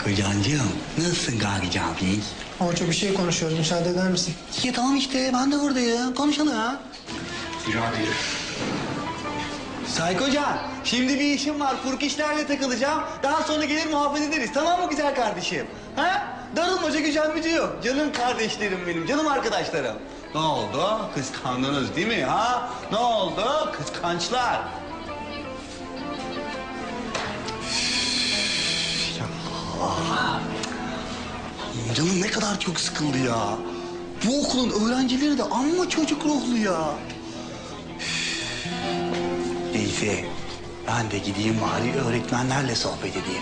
Kocancığım, nasılsın Gagi abi? Orço bir şey konuşuyoruz. Müsaade eder misin? Ya tamam işte, ben de buradayım. Konuşalım. Yürü abi yürü. Saykocan, şimdi bir işim var. Furk işlerle takılacağım. Daha sonra gelir muhabbet ederiz. Tamam mı güzel kardeşim? Ha? Darılmaca gücenmeci yok. Canım kardeşlerim benim, canım arkadaşlarım. Ne oldu? Kıskandınız değil mi ha? Ne oldu? Kıskançlar. Canım ne kadar çok sıkıldı ya. Bu okulun öğrencileri de amma çocuk ruhlu ya. Neyse, ben de gideyim bari öğretmenlerle sohbet edeyim.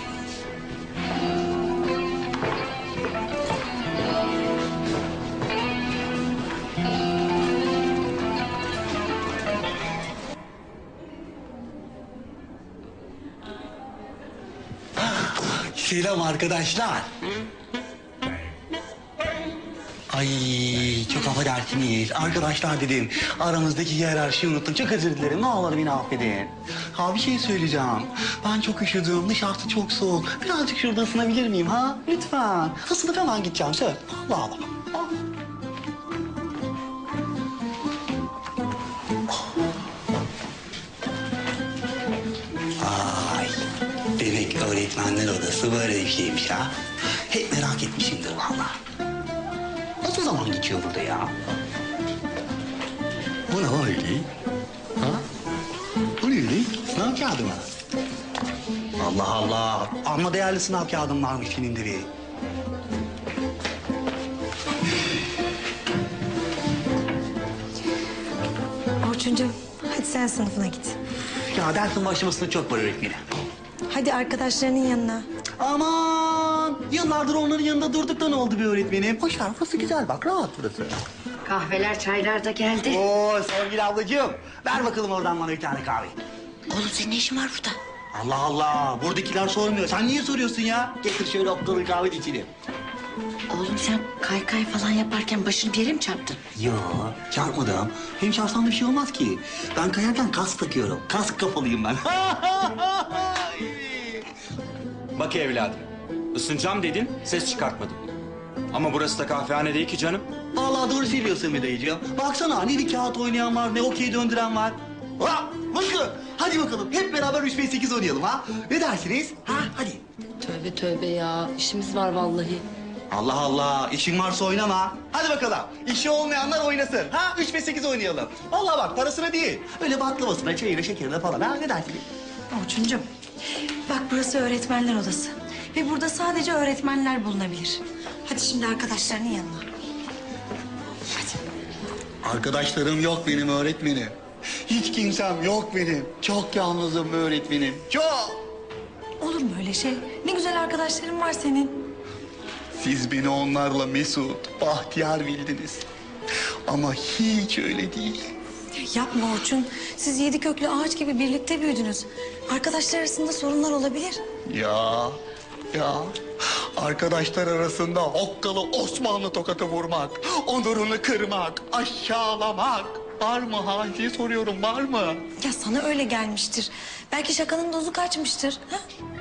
Selam arkadaşlar. Ay çok affedersiniz. Arkadaşlar dedim. Aramızdaki hiyerarşiyi unuttum. Çok özür dilerim. Ne olur beni affedin. Ha bir şey söyleyeceğim. Ben çok üşüdüm. Dışarısı çok soğuk. Birazcık şurada ısınabilir miyim ha? Lütfen. Isınıp hemen gideceğim. Söz. Allah Allah. Ay. Demek öğretmenler odası böyle bir şeymiş ha. Hep merak etmişimdir vallahi. Nasıl zaman geçiyor burada ya? Bu ne öyle? Ha? Bu ne öyle? Sınav kağıdı mı? Allah Allah. Amma değerli sınav kağıdım varmış senin de bir. Orçuncuğum, hadi sen sınıfına git. Ya dersin başlamasına çok var öğretmenim. Hadi arkadaşlarının yanına. Aman! Yıllardır onların yanında durduk da ne oldu bir öğretmenim? Boş ver, burası güzel bak, rahat burası. Kahveler, çaylar da geldi. Oo sevgili ablacığım, ver bakalım oradan bana bir tane kahve. Oğlum senin ne işin var burada? Allah Allah, buradakiler sormuyor. Sen niye soruyorsun ya? Getir şöyle okkalı kahve de içelim. Oğlum sen kaykay falan yaparken başını bir yere mi çarptın? Yo, çarpmadım. Hem çarpsam bir şey olmaz ki. Ben kayarken kask takıyorum. Kask kafalıyım ben. Bak evladım. Isınacağım dedin, ses çıkartmadın. Ama burası da kahvehane değil ki canım. Vallahi doğru söylüyorsun bir dayıcığım. Baksana ne bir kağıt oynayan var, ne okey döndüren var. Ha, bakın. Hadi bakalım hep beraber 3-5-8 oynayalım ha. Ne dersiniz? Ha, hadi. Tövbe tövbe ya. İşimiz var vallahi. Allah Allah, işin varsa oynama. Hadi bakalım, işi olmayanlar oynasın. Ha, 3-5-8 oynayalım. Vallahi bak, parasına değil. Öyle baklavasına, çayına, şekerine falan. Ha, ne dersiniz? Orçuncuğum, bak burası öğretmenler odası. Ve burada sadece öğretmenler bulunabilir. Hadi şimdi arkadaşlarının yanına. Arkadaşlarım yok benim öğretmenim. Hiç kimsem yok benim. Çok yalnızım öğretmenim. Çok. Olur mu öyle şey? Ne güzel arkadaşların var senin. Siz beni onlarla mesut, bahtiyar bildiniz. Ama hiç öyle değil. Yapma Orçun. Siz yedi köklü ağaç gibi birlikte büyüdünüz. Arkadaşlar arasında sorunlar olabilir. Ya. Arkadaşlar arasında okkalı Osmanlı tokatı vurmak, onurunu kırmak, aşağılamak. Var mı Hacı soruyorum, var mı? Ya sana öyle gelmiştir. Belki şakanın dozu kaçmıştır. Ha?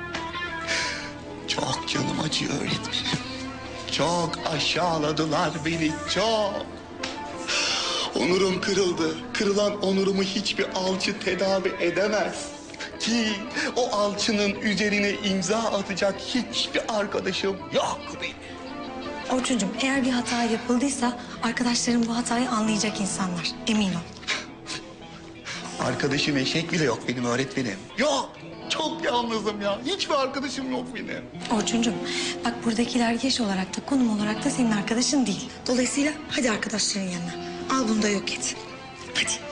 Çok canım acıyor öğretmenim. Çok aşağıladılar beni, çok. Onurum kırıldı. Kırılan onurumu hiçbir alçı tedavi edemez. Ki o alçının üzerine imza atacak hiçbir arkadaşım yok benim. Orçuncuğum, eğer bir hata yapıldıysa arkadaşların bu hatayı anlayacak insanlar. Emin ol. Arkadaşım eşek bile yok benim öğretmenim. Yok. Çok yalnızım ya. Hiçbir arkadaşım yok benim. Orçuncuğum, bak buradakiler yaş olarak da konum olarak da senin arkadaşın değil. Dolayısıyla hadi arkadaşların yanına. Al bunu da yok et. Hadi.